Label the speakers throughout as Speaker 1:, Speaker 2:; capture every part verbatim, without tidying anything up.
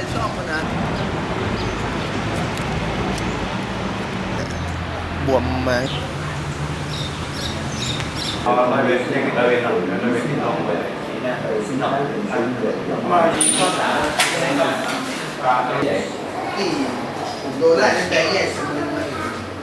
Speaker 1: ชอบมันนะบวมมา
Speaker 2: เอาไปเวทยังไปเวทหน่อยไปเวทที่ต้องไปมาข้อสามในก่อนปลาตัวใหญ่
Speaker 1: ที่ผมโดนไล่ตั้งแต่แยกสมุนมา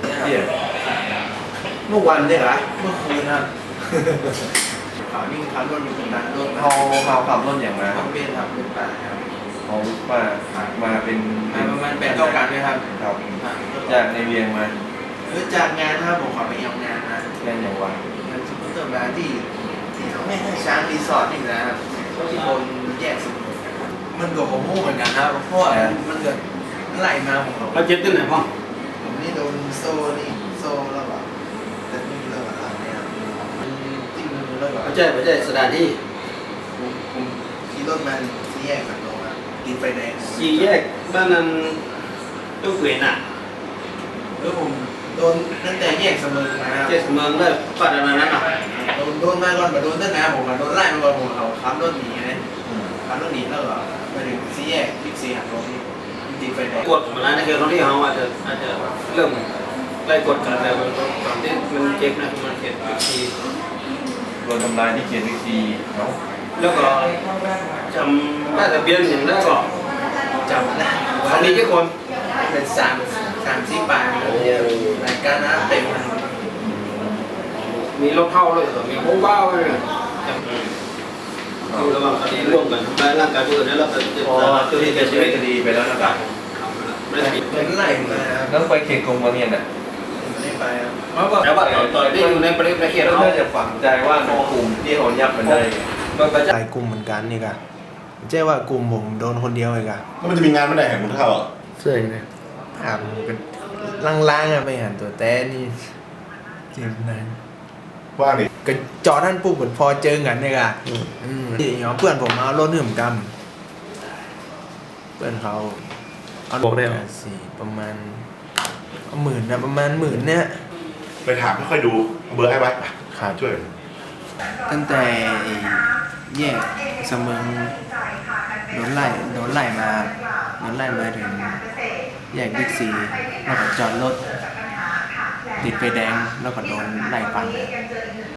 Speaker 1: เมื่อวันเนี่ยเหรอเมื่อคืนครับข่าวนี่ข่าวรถอยู่ตรงนั้นรถ
Speaker 2: เขาเขาขับรถอย่างไร
Speaker 1: ทำเป็นครับเป็นป่าครับ
Speaker 2: เขามามาเป็น
Speaker 1: มาประมาณแปดเก้าการไหมครับ
Speaker 2: ครับจากในเวียงมา
Speaker 1: คือจากงานถ้าผมขอไปเอางานนะ
Speaker 2: แค่อย่างวัน
Speaker 1: งานสมมติเติมมาที่ที่เขาไม่ให้ช้างรีสอร์ทนี่นะครับที่คนแยกสมุนนะครับมันก็ผมมู่เหมือนกันนะเพราะมันเกิดไล่มาผม
Speaker 3: เราเจ็บที่ไหนพ่อ
Speaker 1: ผมนี่โดนโซ่นี่โซ่แล้วแบบแต่ไม่เลิกอะไรเนี่ยจิ้มมือแล้วแบบ
Speaker 3: ไม่ใช่ไม่ใช่สถานที่
Speaker 1: ผมผมขี่รถมาที่แยกกันลงอ่ะกินไฟแดง
Speaker 3: สี่แยกบ้านนั้นตู้เกวียนอ่ะ
Speaker 1: แล้วผมโดนตั้งแต่แยกเสมอมา
Speaker 3: เจ็ดเมืองได้ปัดอะไรนั้นอ่ะ
Speaker 1: โดนโดนมาก่อนมาโดนตั้งแต่ผมมาโดนไล่มาก่อนผมเขาขับรถหนีไงขับรถหนีแล้วก็ไปถึงสี่แยกบิ๊กซีหักรถนี่ติดไฟแดง
Speaker 3: กดมาแล้วในเกมที่เขาอาจจะอาจจะเริ่มไล่กดกันแต่มันตอนที่มันเจ็บนะมันเจ็บที
Speaker 2: โดนทำลายที่เขียนวิธีเนาะ
Speaker 3: แล้วก็จำได้แต่เบียนอย่างนั้นก็
Speaker 1: จำได้
Speaker 3: เขามีแค่คน
Speaker 1: เป็นสามสามสี่ปากเนี่ยรายการน้ำเต็ม
Speaker 3: มีรถเข้าเลยมีโค้งเบ้าเลยจำคือระหว่างคดีร่วมกันทำร้ายร่างกายผู้อื่นแล้วเราจะจะ
Speaker 2: อ๋อคือที่เป็นชีวิตคดีไปแล้วนะครับ
Speaker 3: ไม่ได้ผิด
Speaker 1: เหมือนไล่มาครับ
Speaker 2: ต้องไปเขตกรมบางเงียนอ่ะ
Speaker 1: ไม่ได้ไปครับ
Speaker 3: แต่ว่าตอนที่อยู่ในประเทศประเทศ
Speaker 2: แล้ว
Speaker 3: เขา
Speaker 2: น่าจะฝังใจว่าในกลุ่มที่เขายับมันได้
Speaker 3: มันก็จะ
Speaker 1: หลายกลุ่มเหมือนกันนี่กะไม่ใช่ว่ากลุ่มผมโดนคนเดียวเลยกะ
Speaker 4: แล้วมันจะมีงานเมื่อไหร่ของคุณเท่าอ่ะ
Speaker 1: เสื่อยเลยถามกันล่างๆอะไปหันตัวแต่นี่เจ็บนะ
Speaker 4: ว่างดิ
Speaker 1: ก็จอท่านปุ๊บเหมือนพอเจอกันเนี่ยกะอืมที่เนาะเพื่อนผมเอารถหื่มกำเพื่อนเขาเอาบอกได้สี่ประมาณเอาหมื่นนะประมาณหมื่นเนี่ย
Speaker 4: ไปถามค่อยๆดูเอาเบอร์ให้ไว้ไป
Speaker 1: ครับ
Speaker 4: ช่วย
Speaker 1: ตั้งแต่แยกเสมิงโดนไล่โดนไล่มาโดนไล่มาถึงแยกบิ๊กซีแล้วก็จอดรถติดไฟแดงแล้วก็โดนไล่ฟัน